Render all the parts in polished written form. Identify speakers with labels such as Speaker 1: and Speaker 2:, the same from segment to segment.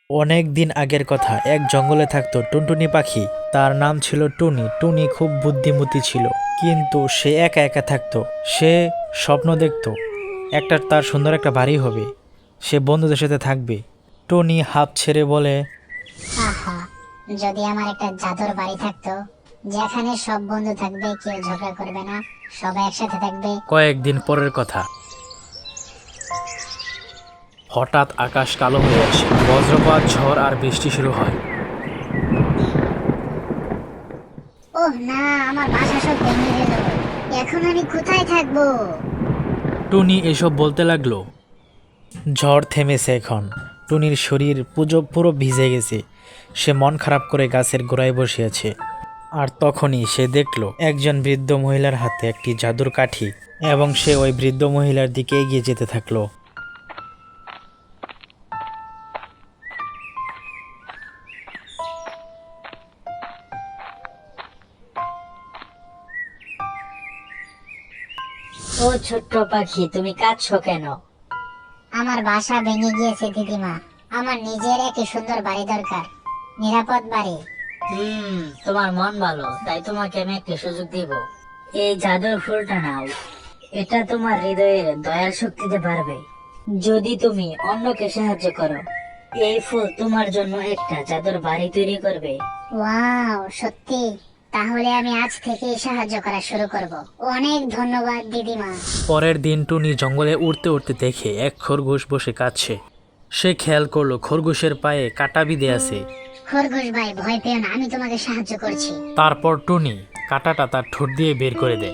Speaker 1: অনেক দিন আগের কথা, এক জঙ্গলে থাকতো টুনটুনি পাখি। তার নাম ছিল টুনি। টুনি খুব বুদ্ধিমতী ছিল, কিন্তু সে একা একা থাকতো। সে স্বপ্ন দেখতো তার সুন্দর একটা বাড়ি হবে, সে বন্ধুদের সাথে থাকবে। টুনি হাঁপ ছেড়ে বলে,
Speaker 2: আহা, যদি আমার একটা জাদুর বাড়ি থাকতো, যেখানে সব বন্ধু থাকবে, কেউ ঝগড়া করবে না, সবাই একসাথে থাকবে।
Speaker 1: কয়েকদিন পরের কথা। হঠাৎ আকাশ কালো হয়ে আসে, বজ্রপাত, ঝড় আর বৃষ্টি শুরু হয়।
Speaker 2: ওহ না, আমার বাসা সব ভেঙে গেল। এখন আমি কোথায় থাকবো?
Speaker 1: টুনি এসব বলতে লাগলো। ঝড় থেমেছে এখন। টুনির শরীর পুরো ভিজে গেছে। সে মন খারাপ করে গাছের গোড়ায় বসে আছে। আর তখনই সে দেখল একজন বৃদ্ধ মহিলার হাতে একটি জাদুর কাঠি, এবং সে ওই বৃদ্ধ মহিলার দিকে এগিয়ে যেতে থাকলো।
Speaker 3: ও ছোট্ট পাখি, তুমি কাঁদছো কেন?
Speaker 2: আমার বাসা ভেঙে গিয়েছে দিদিমা। আমার নিজের একটি সুন্দর বাড়ি দরকার, নিরাপদ বাড়ি।
Speaker 3: তোমার মন ভালো, তাই তোমাকে আমি একটা সুযোগ দিব। এই জাদুর ফুলটা নাও, এটা তোমার হৃদয়ের দয়ার শক্তিতে পারবে। যদি তুমি অন্যকে সাহায্য করো, এই ফুল তোমার জন্য একটা জাদুর বাড়ি তৈরি করবে।
Speaker 2: ওয়াও, সত্যি? তাহলে আমি আজ থেকেই সাহায্য করা শুরু করব। অনেক ধন্যবাদ দিদিমা।
Speaker 1: পরের দিন টুনি জঙ্গলে উড়তে উড়তে দেখে এক খরগোশ বসে কাঁদছে। সে খেয়াল করলো খরগোশের পায়ে কাঁটা বিঁধে আছে।
Speaker 2: খরগোশ ভাই, ভয় পেও না, আমি তোমাকে সাহায্য করছি।
Speaker 1: তারপর টুনি কাঁটাটা তার ঠোঁট দিয়ে বের করে দেয়।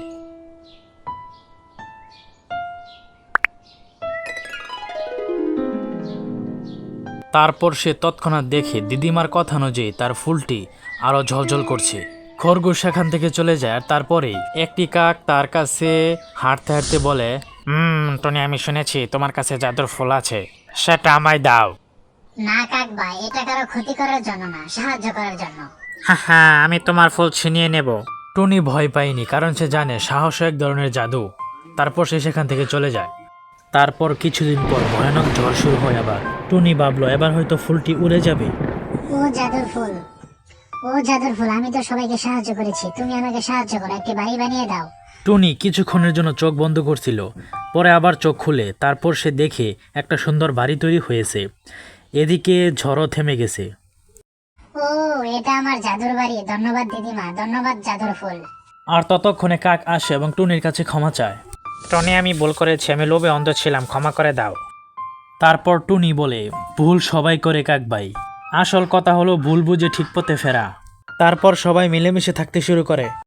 Speaker 1: তারপর সে তৎক্ষণাৎ দেখে দিদিমার কথা অনুযায়ী তার ফুলটি আরো ঝলঝল করছে। খরগোশ সেখান থেকে চলে যায়। আর তারপরেই একটি কাক তার কাছে হাঁটতে হাঁটতে বলে, টনি, আমি শুনেছি তোমার কাছে জাদুর ফুল আছে, সেটা আমায় দাও।
Speaker 2: না কাক ভাই, এটা কারো ক্ষতি করার জন্য না, সাহায্য করার জন্য।
Speaker 1: হ্যাঁ, আমি তোমার ফুল ছিনিয়ে নেব। টনি ভয় পায়নি, কারণ সে জানে সাহস এক ধরনের জাদু। তারপর সে সেখান থেকে চলে যায়। তারপর কিছুদিন পর ভয়ানক ঝড় শুরু হয় আবার। টুনি ভাবলো এবার হয়তো ফুলটি উড়ে যাবে।
Speaker 2: ও জাদুর ফুল, ও জাদুর ফুল, আমি তো সবাইকে সাহায্য করেছি, তুমি আমাকে সাহায্য করো, একটি বাড়ি বানিয়ে দাও।
Speaker 1: টুনি কিছুক্ষণের জন্য চোখ বন্ধ করছিল, পরে আবার চোখ খুলে। তারপর সে দেখে একটা সুন্দর বাড়ি তৈরি হয়েছে। এদিকে ঝড়ও থেমে গেছে।
Speaker 2: ও, এটা আমার জাদুর বাড়ি। ধন্যবাদ দিদিমা, ধন্যবাদ জাদুর ফুল।
Speaker 1: আর ততক্ষণে কাক আসে এবং টুনির কাছে ক্ষমা চায়। টনি, আমি ভুল করেছি, আমি লোভে অন্ধ ছিলাম, ক্ষমা করে দাও। তারপর টুনি বলে, ভুল সবাই করে কাক ভাই, আসল কথা হলো ভুল বুঝে ঠিক পথে ফেরা। তারপর সবাই মিলেমিশে থাকতে শুরু করে।